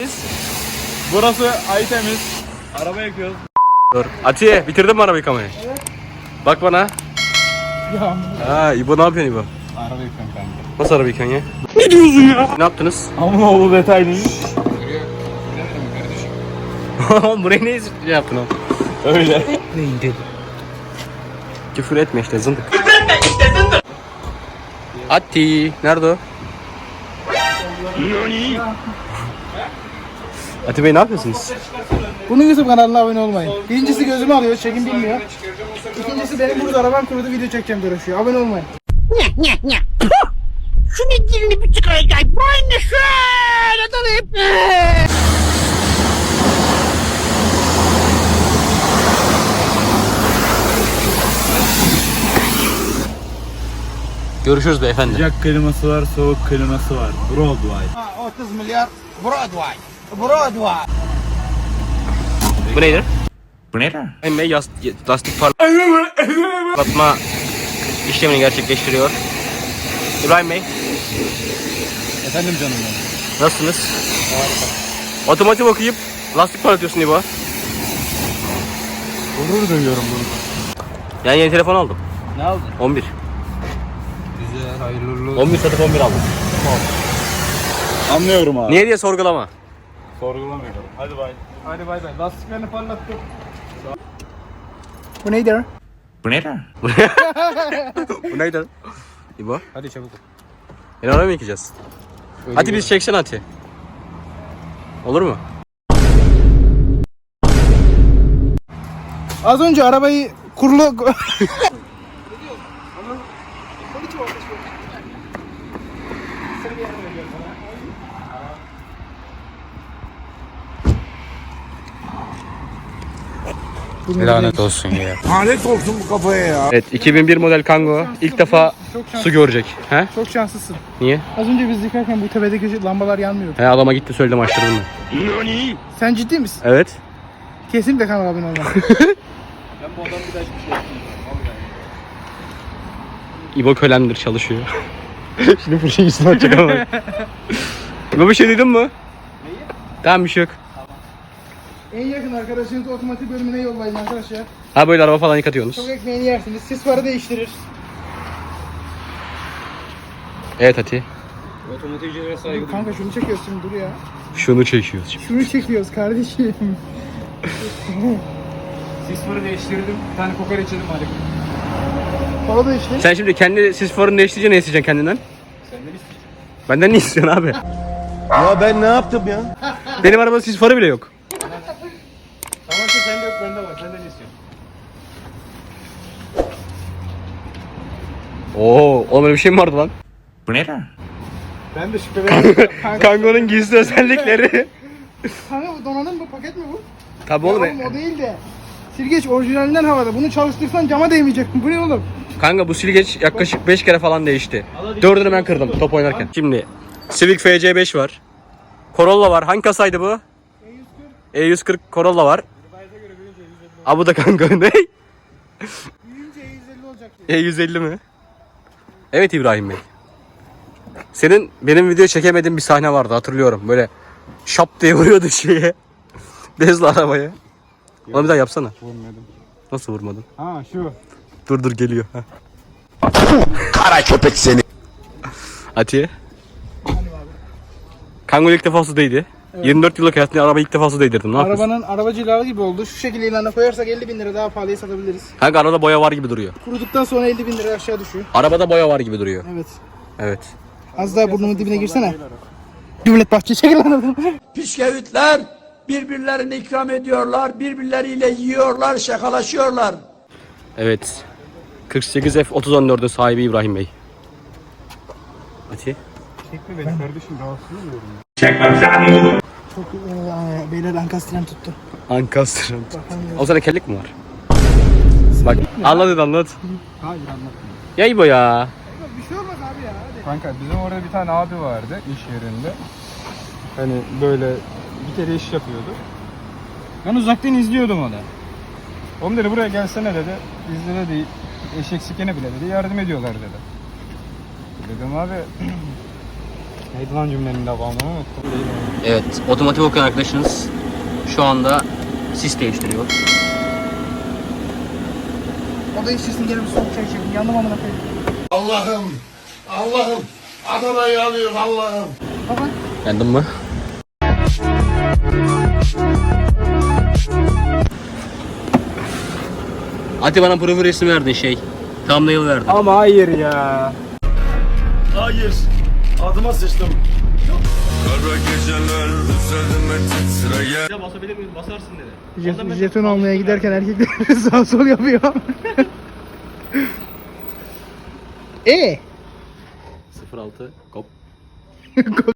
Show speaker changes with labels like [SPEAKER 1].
[SPEAKER 1] Burası Aytemiz. Araba yakıyoruz.
[SPEAKER 2] Dur. Atiye bitirdin mi araba yıkamayı?
[SPEAKER 1] Evet.
[SPEAKER 2] Bak bana.
[SPEAKER 1] Ya.
[SPEAKER 2] Ha İbo ne yapıyorsun İbo?
[SPEAKER 1] Araba yıkıyorum kanka.
[SPEAKER 2] Nasıl araba yıkıyorsun ya? Ne diyorsun ya? Ne yaptınız?
[SPEAKER 1] Amunoğlu detaylı.
[SPEAKER 2] Burayı ne yaptın oğlum?
[SPEAKER 1] Öyle.
[SPEAKER 2] Neydi? Küfür etme işte zındık. Ati nerede o? Ati Bey ne yapıyorsunuz?
[SPEAKER 3] Bunun YouTube kanalına abone olmayın. Birincisi gözümü alıyor, çekim bilmiyor. İkincisi benim burada arabam kurudu, video çekeceğim diye uğraşıyor. Abone olmayın.
[SPEAKER 4] Şunun dilini bir çıkaracak. Boynunu şöyle dalayıp.
[SPEAKER 2] Görüşürüz beyefendi.
[SPEAKER 1] Sıcak kliması var, soğuk kliması var. Broadway.
[SPEAKER 4] 30 milyar Broadway. Broadway.
[SPEAKER 2] Bu neydi?
[SPEAKER 1] Bu ne lan?
[SPEAKER 2] İbrahim Bey lastik parlatma işlemini gerçekleştiriyor. İbrahim Bey
[SPEAKER 1] Efendim canım benim.
[SPEAKER 2] nasılsınız? Harika. Otomotiv okuyup lastik parlatıyorsun İbo.
[SPEAKER 1] Gurur duyuyorum bunu.
[SPEAKER 2] Yani yeni telefon aldım.
[SPEAKER 1] Ne aldın?
[SPEAKER 2] 11.
[SPEAKER 1] Güzel, hayırlı.
[SPEAKER 2] 11 satıp 11 aldım.
[SPEAKER 1] Anlıyorum abi.
[SPEAKER 2] Niye diye sorgulama.
[SPEAKER 1] Sorgulamıyorum. Hadi bay. Hadi bay bay. Lastiklerini parlattım.
[SPEAKER 3] Bu neydi?
[SPEAKER 1] Bu ne lan?
[SPEAKER 2] Bu neydi? İbo.
[SPEAKER 1] Hadi çabuk.
[SPEAKER 2] Beni araba mı yıkayacağız? Hadi biz çeksen Ati. Olur mu?
[SPEAKER 3] Az önce arabayı kurulu...
[SPEAKER 2] Lanet olsun ya.
[SPEAKER 4] Lanet olsun bu kafaya ya.
[SPEAKER 2] Evet 2001 model Kangoo ilk defa
[SPEAKER 3] Çok şanslı.
[SPEAKER 2] su görecek. He?
[SPEAKER 3] Çok şanslısın.
[SPEAKER 2] Niye?
[SPEAKER 3] Az önce biz yıkarken bu tepedeki lambalar yanmıyordu.
[SPEAKER 2] He adama gitti söyledim açtırdım ben.
[SPEAKER 3] Sen ciddi misin?
[SPEAKER 2] Evet.
[SPEAKER 3] Kesinlikle kanala abone olma.
[SPEAKER 1] Ben bu adamı bir daha hiçbir şey yapmayayım.
[SPEAKER 2] İbo kölemdir çalışıyor. Şimdi fırçayı üstüne atacak ama. İbo bir şey duydun mu? Neyi? Tamam bir şey yok.
[SPEAKER 3] En yakın arkadaşınızı otomatik bölümüne yollayın arkadaşlar.
[SPEAKER 2] Ha böyle araba falan yıkatıyorsunuz.
[SPEAKER 3] Çok ekmeğini yersiniz. Sis farı değiştirir.
[SPEAKER 2] Evet Ati.
[SPEAKER 1] Otomotivcilere saygı
[SPEAKER 3] Dur kanka şunu çekiyoruz şimdi dur ya.
[SPEAKER 2] Şunu çekiyoruz şimdi.
[SPEAKER 3] Şunu çekiyoruz kardeşim.
[SPEAKER 1] Sis farı değiştirdim. Bir tane kokoreç yedim hadi.
[SPEAKER 3] Kola da işte.
[SPEAKER 2] Sen şimdi kendi sis farını değiştirince ne isteyeceksin kendinden?
[SPEAKER 1] Senden isteyeceğim.
[SPEAKER 2] Benden ne istiyorsun abi?
[SPEAKER 4] Ya ben ne yaptım ya?
[SPEAKER 2] Benim arabada sis farı bile yok.
[SPEAKER 1] Tamam ki sende yok bende var. Senden istiyorum.
[SPEAKER 2] Oo, oğlum öyle bir şey mi vardı lan?
[SPEAKER 1] Bu ne lan?
[SPEAKER 3] Ben de şüpheleniyorum.
[SPEAKER 2] Kango'nun gizli özellikleri.
[SPEAKER 3] Kanka bu donanım bu paket mi bu?
[SPEAKER 2] Tabii
[SPEAKER 3] Ya
[SPEAKER 2] oğlum.
[SPEAKER 3] oğlum o değil de. Silgeç orijinalinden havada. Bunu çalıştırsan cama değmeyecek. Bu ne oğlum?
[SPEAKER 2] Kanka bu silgeç yaklaşık 5 kere falan değişti. 4'ünü ben kırdım top oynarken. Şimdi Civic FC5 var. Corolla var. Hangi kasaydı bu? E140 Corolla var. Aa bu da kanka ne?
[SPEAKER 3] Büyüyünce E150 olacak diye.
[SPEAKER 2] E150 mi? Evet İbrahim Bey. Senin benim video çekemediğin bir sahne vardı hatırlıyorum. Böyle şap diye vuruyordu şeye. Bezle arabaya. Onu bir daha yapsana.
[SPEAKER 1] Vurmadım.
[SPEAKER 2] Nasıl vurmadın?
[SPEAKER 1] Ha şu.
[SPEAKER 2] Dur geliyor. Heh.
[SPEAKER 4] Kara köpek seni.
[SPEAKER 2] Atiye. Kangol ilk defa su değdi. Evet. 24 yıllık hayatımda araba ilk defa su değdirdim. Ne yapıyorsun?
[SPEAKER 3] Arabanın arabacı ilave gibi oldu. Şu şekilde ilana koyarsak 50 bin lira daha pahalıya satabiliriz.
[SPEAKER 2] Kanka arada boya var gibi duruyor.
[SPEAKER 3] Kuruduktan sonra 50 bin lira aşağı düşüyor.
[SPEAKER 2] Arabada boya var gibi duruyor.
[SPEAKER 3] Evet.
[SPEAKER 2] Evet.
[SPEAKER 3] Az daha burnumun dibine girsene. Devlet bahçe çekil lan oradan.
[SPEAKER 5] Pişkevitler birbirlerine ikram ediyorlar, birbirleriyle yiyorlar, şakalaşıyorlar.
[SPEAKER 2] Evet. 48 F3014'ün sahibi İbrahim Bey. Ati.
[SPEAKER 1] Çekme beni kardeşim rahatsız oluyorum.
[SPEAKER 3] Çok beyler ankastren tuttu.
[SPEAKER 2] Ankastır.
[SPEAKER 3] Bakalım.
[SPEAKER 2] O sana kellik mi var? Bak anlat.
[SPEAKER 1] Hayır anlatma.
[SPEAKER 2] Ya İbo ya.
[SPEAKER 3] Bir şey olmaz abi ya. Hadi.
[SPEAKER 1] Kanka bizim orada bir tane abi vardı iş yerinde. Hani böyle bir kere iş yapıyordu. Ben uzaktan izliyordum onu. Oğlum dedi buraya gelsene dedi. Bizde dedi eşek sikene bile dedi yardım ediyorlar dedi. Dedim abi Neydi lan cümlenin devamını unuttum. Değil mi?
[SPEAKER 2] Evet, otomotiv okuyan arkadaşınız şu anda sis değiştiriyor.
[SPEAKER 3] O da içsin gelip soğuk çay içelim. Yandım amına koyayım.
[SPEAKER 6] Allah'ım Adana'yı alıyor Allah'ım.
[SPEAKER 3] Baba.
[SPEAKER 2] Yandın mı? Hadi bana profil resmi verdin şey. Thumbnail verdin.
[SPEAKER 1] Ama hayır ya.
[SPEAKER 6] Hayır. Adıma sıçtım.
[SPEAKER 7] Kara geceler üzerime titreyen.
[SPEAKER 2] Basabilir miyim? Basarsın dedi.
[SPEAKER 3] Jeton almaya giderken erkekler sağ sol yapıyor.
[SPEAKER 2] 06 kop.